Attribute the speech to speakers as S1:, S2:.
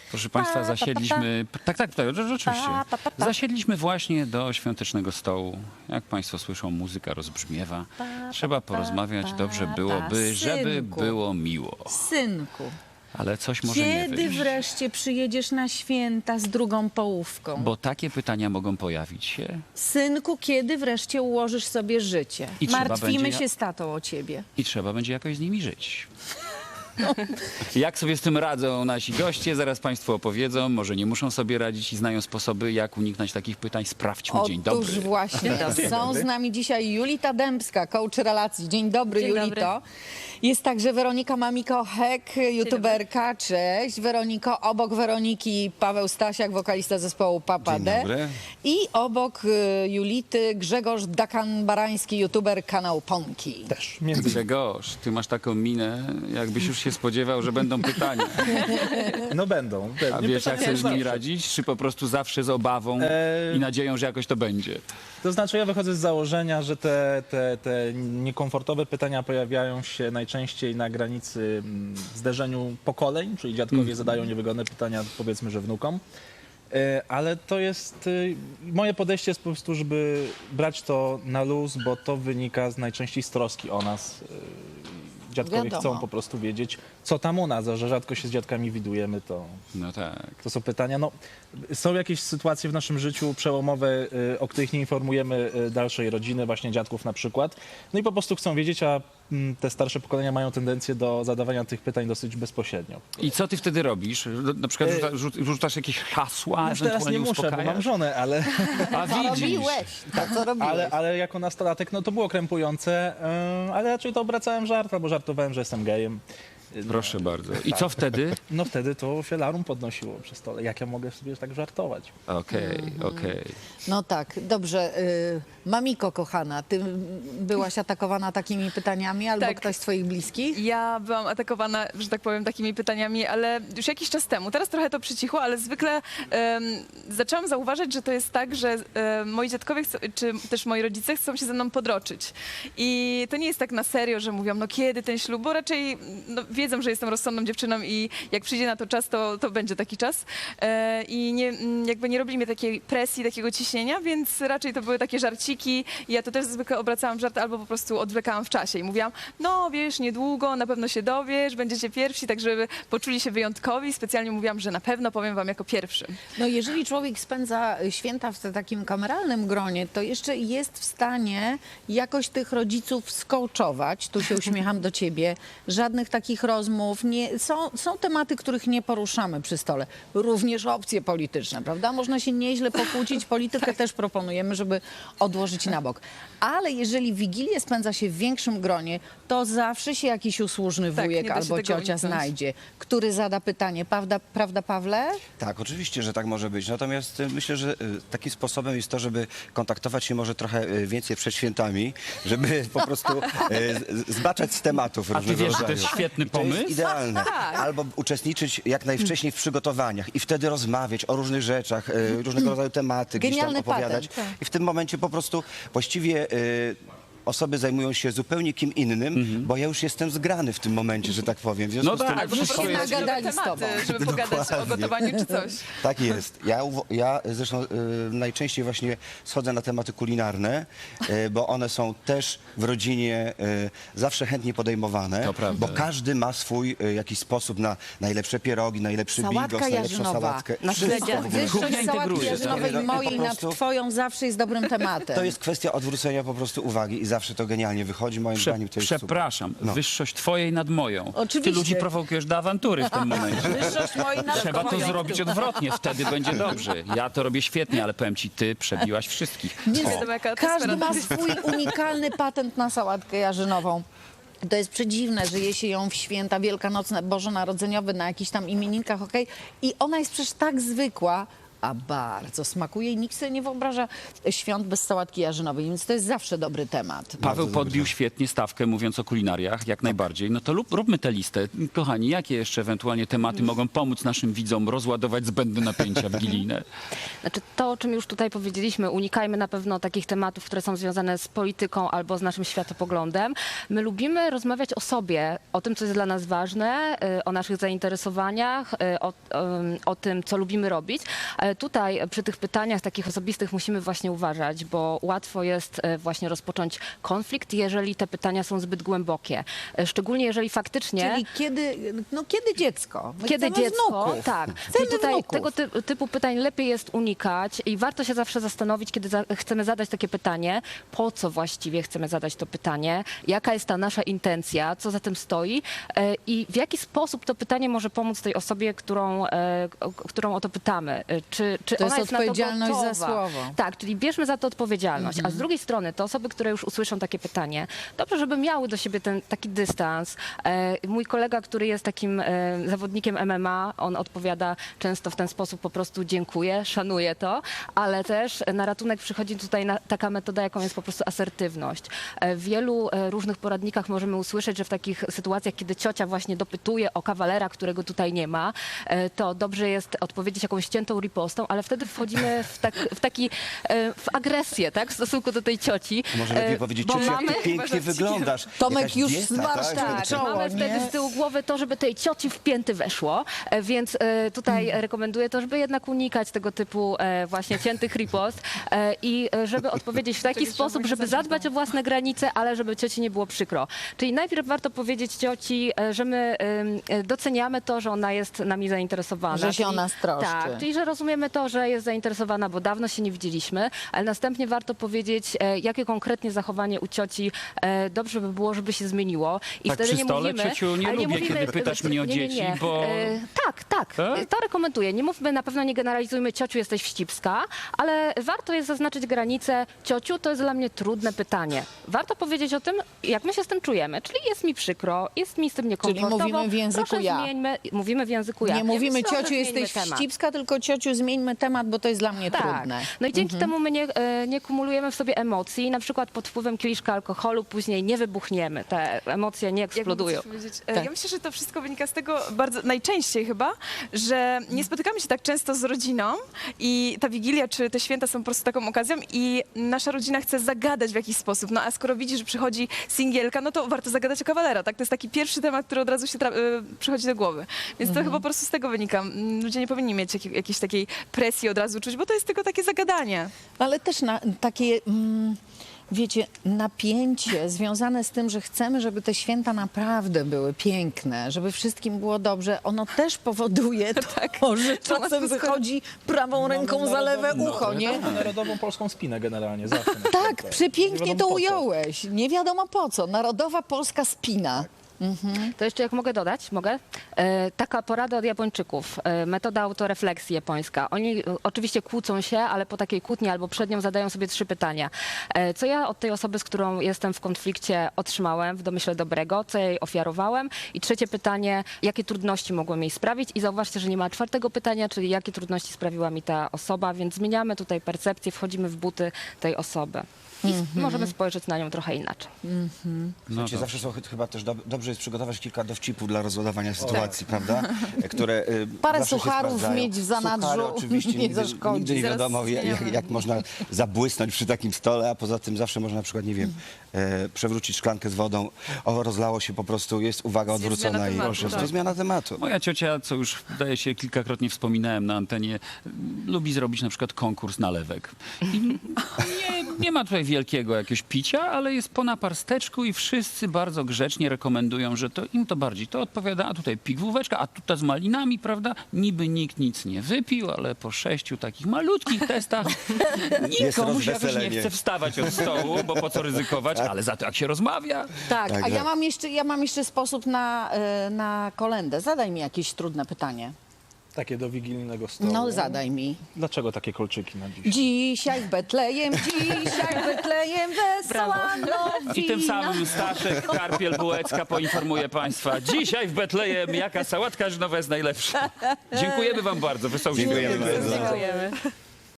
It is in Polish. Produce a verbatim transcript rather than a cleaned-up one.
S1: Proszę Państwa, zasiedliśmy... Tak, tak, tak, rzeczywiście. Zasiedliśmy właśnie do świątecznego stołu. Jak Państwo słyszą, muzyka rozbrzmiewa. Trzeba porozmawiać, dobrze byłoby, żeby
S2: Synku.
S1: było miło.
S2: Synku,
S1: Ale coś może nie
S2: kiedy
S1: wyjść.
S2: wreszcie przyjedziesz na święta z drugą połówką?
S1: Bo takie pytania mogą pojawić się
S2: Synku, kiedy wreszcie ułożysz sobie życie?
S1: I trzeba
S2: Martwimy
S1: będzie-
S2: się z tatą o ciebie.
S1: i trzeba będzie jakoś z nimi żyć. Jak sobie z tym radzą nasi goście, zaraz Państwu opowiedzą. Może nie muszą sobie radzić i znają sposoby, jak uniknąć takich pytań. Sprawdźmy. Dzień dobry.
S2: Otóż właśnie, są z nami dzisiaj Julita Dębska, coach relacji. Dzień dobry,
S3: Dzień
S2: Julito.
S3: dobry.
S2: Jest także Weronika Mamiko-Hek, youtuberka. Cześć. Weroniko. Obok Weroniki Paweł Stasiak, wokalista zespołu Papa
S4: Dzień
S2: D.
S4: dobry.
S2: I obok y, Julity Grzegorz Dakan-Barański, youtuber kanał Ponki.
S4: Też, między
S1: Grzegorz, ty masz taką minę, jakbyś już się spodziewał, że będą pytania.
S4: No będą.
S1: A
S4: pewnie
S1: wiesz, jak
S4: pytania
S1: sobie z nimi
S4: zawsze.
S1: radzić? Czy po prostu zawsze z obawą
S4: Eee,
S1: i nadzieją, że jakoś to będzie?
S4: To znaczy ja wychodzę z założenia, że te, te, te niekomfortowe pytania pojawiają się najczęściej na granicy mm, zderzeniu pokoleń, czyli dziadkowie
S1: Mm.
S4: zadają niewygodne pytania, powiedzmy, że wnukom. E, Ale to jest, y, moje podejście jest po prostu, żeby brać to na luz, bo to wynika z najczęściej z troski o nas. Y, Dziadkowie
S2: Wiadomo.
S4: chcą po prostu wiedzieć, co tam u nas, a że rzadko się z dziadkami widujemy, to...
S1: No tak.
S4: To są pytania. No, są jakieś sytuacje w naszym życiu przełomowe, y, o których nie informujemy y, dalszej rodziny, właśnie dziadków na przykład. No i po prostu chcą wiedzieć, a mm, te starsze pokolenia mają tendencję do zadawania tych pytań dosyć bezpośrednio.
S1: I co ty wtedy robisz? Na przykład rzuca, rzu- rzucasz jakieś hasła,
S4: Już teraz nie
S1: ewentualnie
S4: muszę, bo mam
S1: uspokajasz?
S4: żonę, ale,
S1: A
S2: Co
S1: widzisz.
S2: robiłeś? To, co robiłeś?
S4: ale, ale jako nastolatek no, to było krępujące, y, ale raczej to obracałem żart, albo żartowałem, że jestem gejem.
S1: Proszę bardzo. I co wtedy?
S4: No wtedy to się larum podnosiło przy stole. Jak ja mogę sobie tak żartować?
S1: Okej, okej.
S2: No tak, dobrze. Y, Mamiko, kochana, ty byłaś atakowana takimi pytaniami albo
S3: Tak.
S2: ktoś z twoich bliskich?
S3: Ja byłam atakowana, że tak powiem, takimi pytaniami, ale już jakiś czas temu. Teraz trochę to przycichło, ale zwykle em, zaczęłam zauważać, że to jest tak, że em, moi dziadkowie chcą, czy też moi rodzice chcą się ze mną podroczyć. I to nie jest tak na serio, że mówią, no kiedy ten ślub, bo raczej no, wiedzą, że jestem rozsądną dziewczyną i jak przyjdzie na to czas, to, to będzie taki czas. E, I nie, m, jakby nie robili mnie takiej presji, takiego ciśnienia, więc raczej to były takie żarciki. I ja to też zwykle obracałam w żart albo po prostu odwlekałam w czasie i mówiłam, no wiesz, niedługo, na pewno się dowiesz, będziecie pierwsi, tak żeby poczuli się wyjątkowi. Specjalnie mówiłam, że na pewno powiem wam jako pierwszy.
S2: No jeżeli człowiek spędza święta w takim kameralnym gronie, to jeszcze jest w stanie jakoś tych rodziców skołczować. Tu się uśmiecham do ciebie. Żadnych takich rozmów. Nie, są, są tematy, których nie poruszamy przy stole. Również opcje polityczne, prawda? Można się nieźle pokłócić. Politykę też proponujemy, żeby odłożyć na bok. Ale jeżeli Wigilię spędza się w większym gronie, to zawsze się jakiś usłużny
S3: Tak,
S2: wujek
S3: nie da się
S2: albo
S3: tego
S2: ciocia
S3: uniknąć.
S2: znajdzie, który zada pytanie. Prawda, prawda Pawle?
S5: Tak, oczywiście, że tak może być. Natomiast y, myślę, że y, takim sposobem jest to, żeby kontaktować się może trochę y, więcej przed świętami, żeby po prostu y, z- zbaczać z tematów
S1: A ty
S5: różnego
S1: wiesz, że
S5: rodzaju.
S1: to jest świetny
S5: I to jest
S1: pomysł?
S5: idealne. Albo uczestniczyć jak najwcześniej w przygotowaniach i wtedy rozmawiać o różnych rzeczach, y, różnego rodzaju tematy, gdzieś tam
S2: Genialny
S5: opowiadać.
S2: patent, tak.
S5: I w tym momencie po prostu właściwie y, osoby zajmują się zupełnie kim innym, bo ja już jestem zgrany w tym momencie, że tak powiem. W związku
S1: No
S5: z tym
S1: tak,
S3: Albo po
S1: wszystko
S3: prostu
S2: jest-
S3: jakieś nowe
S2: nagadali z
S3: tematy,
S2: tobą.
S3: żeby pogadać o
S5: Dokładnie.
S3: gotowaniu czy coś.
S5: Tak jest. Ja, uwo- ja zresztą y, najczęściej właśnie schodzę na tematy kulinarne, y, bo one są też w rodzinie y, zawsze chętnie podejmowane,
S1: To prawda.
S5: bo każdy ma swój y, jakiś sposób na najlepsze pierogi, najlepszy
S2: Sałatka
S5: bigos, najlepszą
S2: jarzynowa.
S5: sałatkę.
S2: Na
S5: Wszystko w ogóle.
S2: Wyższość
S1: Kuchnia
S2: sałatki
S1: integruje,
S2: jarzynowej
S5: tak?
S2: mojej
S5: Po
S2: nad
S5: prostu-
S2: twoją zawsze jest dobrym tematem.
S5: To jest kwestia odwrócenia po prostu uwagi i zawsze to genialnie wychodzi. Moim
S1: Prze
S5: zdaniem to jest super.
S1: przepraszam,
S5: No.
S1: wyższość twojej nad moją.
S2: Oczywiście.
S1: Ty ludzi prowokujesz do awantury w tym momencie.
S2: Wyższość mojej nad
S1: Trzeba to
S2: twoją.
S1: zrobić odwrotnie, wtedy będzie dobrze. Ja to robię świetnie, ale powiem ci, ty przebiłaś wszystkich.
S2: Więc
S3: Wiadomo, jaka atmosfera
S2: każdy ma
S3: tam jest.
S2: swój unikalny patent na sałatkę jarzynową. To jest przedziwne, że je się ją w święta wielkanocne, bożonarodzeniowe, na jakichś tam imieninkach, okej? I ona jest przecież tak zwykła, a bardzo smakuje i nikt sobie nie wyobraża świąt bez sałatki jarzynowej, więc to jest zawsze dobry temat.
S1: Paweł podbił świetnie stawkę, mówiąc o kulinariach, jak najbardziej. No to lub, róbmy tę listę. Kochani, jakie jeszcze ewentualnie tematy mogą pomóc naszym widzom rozładować zbędne napięcia wigilijne?
S6: Znaczy to, o czym już tutaj powiedzieliśmy, unikajmy na pewno takich tematów, które są związane z polityką albo z naszym światopoglądem. My lubimy rozmawiać o sobie, o tym, co jest dla nas ważne, y, o naszych zainteresowaniach, y, o, ym, o tym, co lubimy robić. Ale tutaj przy tych pytaniach takich osobistych musimy właśnie uważać, bo łatwo jest y, właśnie rozpocząć konflikt, jeżeli te pytania są zbyt głębokie. Y, Szczególnie jeżeli faktycznie...
S2: Czyli kiedy, no kiedy dziecko? My
S6: Kiedy
S2: chcemy
S6: dziecko,
S2: wnuków.
S6: tak.
S2: Chcemy
S6: I tutaj
S2: wnuków.
S6: tego ty, typu pytań lepiej jest unikać i warto się zawsze zastanowić, kiedy za, chcemy zadać takie pytanie, po co właściwie chcemy zadać to pytanie, jaka jest ta nasza intencja, co za tym stoi e, i w jaki sposób to pytanie może pomóc tej osobie, którą, e, o- którą o to pytamy. E, Czy, czy
S2: To
S6: ona
S2: jest
S6: jest na to
S2: odpowiedzialność za
S6: gotowa?
S2: słowo.
S6: Tak, czyli bierzmy za to odpowiedzialność. A z drugiej strony te osoby, które już usłyszą takie pytanie, dobrze, żeby miały do siebie ten taki dystans. E, mój kolega, który jest takim e, zawodnikiem M M A, on odpowiada często w ten sposób po prostu dziękuję, szanuję to, ale też na ratunek przychodzi tutaj na, taka metoda, jaką jest po prostu asertywność. E, w wielu e, różnych poradnikach możemy usłyszeć, że w takich sytuacjach, kiedy ciocia właśnie dopytuje o kawalera, którego tutaj nie ma, e, to dobrze jest odpowiedzieć jakąś ściętą ripostą, ale wtedy wchodzimy w, tak, w taki, e, w agresję, tak, w stosunku do tej cioci.
S5: Może lepiej
S6: E,
S5: powiedzieć,
S6: bo
S5: ciociu, jak
S6: mamy-
S5: ty pięknie wyglądasz.
S2: Tomek
S5: Jakaś
S2: już
S5: dieta,
S2: zmarszczył
S5: tak?
S2: czoło.
S6: Mamy wtedy
S2: nie?
S6: z tyłu głowy to, żeby tej cioci w pięty weszło, e, więc e, tutaj rekomenduję to, żeby jednak unikać tego typu e, właśnie ciętych ripost e, i e, żeby odpowiedzieć w taki
S3: Czyli
S6: sposób,
S3: trzeba
S6: żeby
S3: nie zacząć
S6: zadbać o własne granice, ale żeby cioci nie było przykro. Czyli najpierw warto powiedzieć cioci, e, że my em, e, doceniamy to, że ona jest nami zainteresowana.
S2: Że się
S6: Czyli-
S2: o nas troszczy.
S6: Tak, czyli że rozumiemy to, że jest zainteresowana, bo dawno się nie widzieliśmy, ale następnie warto powiedzieć, e, jakie konkretnie zachowanie u cioci e, dobrze by było, żeby się zmieniło. I
S1: Tak
S6: wtedy
S1: przy
S6: nie
S1: stole,
S6: mówimy,
S1: ciociu, nie
S6: ale
S1: lubię, kiedy pytasz mnie o
S6: nie, nie,
S1: dzieci,
S6: nie.
S1: bo-
S6: E, tak, tak,
S1: Tak?
S6: to rekomenduję. Nie mówmy, na pewno nie generalizujmy, ciociu, jesteś wścibska, ale warto jest zaznaczyć granicę, ciociu, to jest dla mnie trudne pytanie. Warto powiedzieć o tym, jak my się z tym czujemy, czyli jest mi przykro, jest mi z tym niekomfortowo.
S2: mówimy w języku
S6: Proszę,
S2: ja.
S6: Zmieńmy, mówimy w języku ja.
S2: Nie mówimy
S6: Proszę,
S2: ciociu,
S6: zmieńmy
S2: jesteś
S6: temat.
S2: wścibska, tylko ciociu, zmieńmy temat, bo to jest dla mnie
S6: Tak.
S2: trudne.
S6: No i dzięki temu my nie, e, nie kumulujemy w sobie emocji, na przykład pod wpływem kieliszka alkoholu później nie wybuchniemy, te emocje nie eksplodują.
S3: Jakby coś powiedzieć, e,
S2: Tak.
S3: Ja myślę, że to wszystko wynika z tego bardzo najczęściej chyba, że nie spotykamy się tak często z rodziną i ta Wigilia czy te święta są po prostu taką okazją i nasza rodzina chce zagadać w jakiś sposób. No a skoro widzi, że przychodzi singielka, no to warto zagadać o kawalera, tak? To jest taki pierwszy temat, który od razu się tra- e, przychodzi do głowy. Więc to chyba po prostu z tego wynika. Mm, Ludzie nie powinni mieć jakiej, jakiejś takiej presji od razu czuć, bo to jest tylko takie zagadanie.
S2: Ale też na, takie, mm, wiecie, napięcie związane z tym, że chcemy, żeby te święta naprawdę były piękne, żeby wszystkim było dobrze, ono też powoduje to, że czasem
S3: to skoro-
S2: wychodzi prawą ręką
S4: Mamy
S2: za lewe
S4: narodową-
S2: ucho, nie?
S4: Mamy narodową polską spinę generalnie, zawsze. na
S2: Tak,
S4: święta. Nie
S2: przepięknie
S4: wiadomo
S2: to
S4: po co.
S2: ująłeś. Nie wiadomo po co. Narodowa polska spina.
S6: To jeszcze jak mogę dodać, mogę? E, taka porada od Japończyków, e, metoda autorefleksji japońska. Oni e, oczywiście kłócą się, ale po takiej kłótni albo przed nią zadają sobie trzy pytania. E, co ja od tej osoby, z którą jestem w konflikcie, otrzymałem w domyśle dobrego, co ja jej ofiarowałem? I trzecie pytanie, jakie trudności mogłem jej sprawić? I zauważcie, że nie ma czwartego pytania, czyli jakie trudności sprawiła mi ta osoba, więc zmieniamy tutaj percepcję, wchodzimy w buty tej osoby. I możemy spojrzeć na nią trochę inaczej.
S1: No
S5: Słuchajcie,
S1: to-
S5: zawsze są, chyba też dob- dobrze jest przygotować kilka dowcipów dla rozładowania sytuacji, prawda? Które y,
S2: Parę
S5: zawsze się
S2: sucharów
S5: sprawdzają.
S2: mieć w zanadrzu
S5: Suchary oczywiście
S2: nie
S5: nigdy,
S2: zaszkodzi.
S5: nigdy nie
S3: Zaraz
S5: wiadomo, jak, jak, jak można zabłysnąć przy takim stole, a poza tym zawsze można na przykład, nie wiem, e, przewrócić szklankę z wodą, o, rozlało się po prostu, jest uwaga
S3: Jest
S5: odwrócona
S3: zmiana
S5: i
S3: tematu,
S5: po prostu
S3: tak.
S5: zmiana tematu.
S1: Moja ciocia, co już wydaje się kilkakrotnie wspominałem na antenie, lubi zrobić na przykład konkurs nalewek. I nie, nie ma tutaj wielkiego jakiegoś picia, ale jest po naparsteczku i wszyscy bardzo grzecznie rekomendują, że to im to bardziej to odpowiada, a tutaj pigwóweczka, a tutaj z malinami, prawda? Niby nikt nic nie wypił, ale po sześciu takich malutkich testach nikomuś jakoś nie
S5: rozweselenie.
S1: chce wstawać od stołu, bo po co ryzykować, ale za to jak się rozmawia.
S2: Tak,
S5: Tak,
S2: a ja
S5: tak.
S2: mam jeszcze, ja mam jeszcze sposób na, e, na kolędę. Zadaj mi jakieś trudne pytanie.
S4: Takie do wigilijnego stołu.
S2: No zadaj mi.
S4: Dlaczego takie kolczyki na dziś?
S2: Dzisiaj w Betlejem, dzisiaj w Betlejem wesoła nowina.
S1: I tym samym Staszek Karpiel-Bułecka poinformuje Państwa, dzisiaj w Betlejem jaka sałatka żynowa jest najlepsza. Dziękujemy Wam bardzo, wesołych świąt.
S5: Dziękujemy bardzo.
S3: Dziękujemy.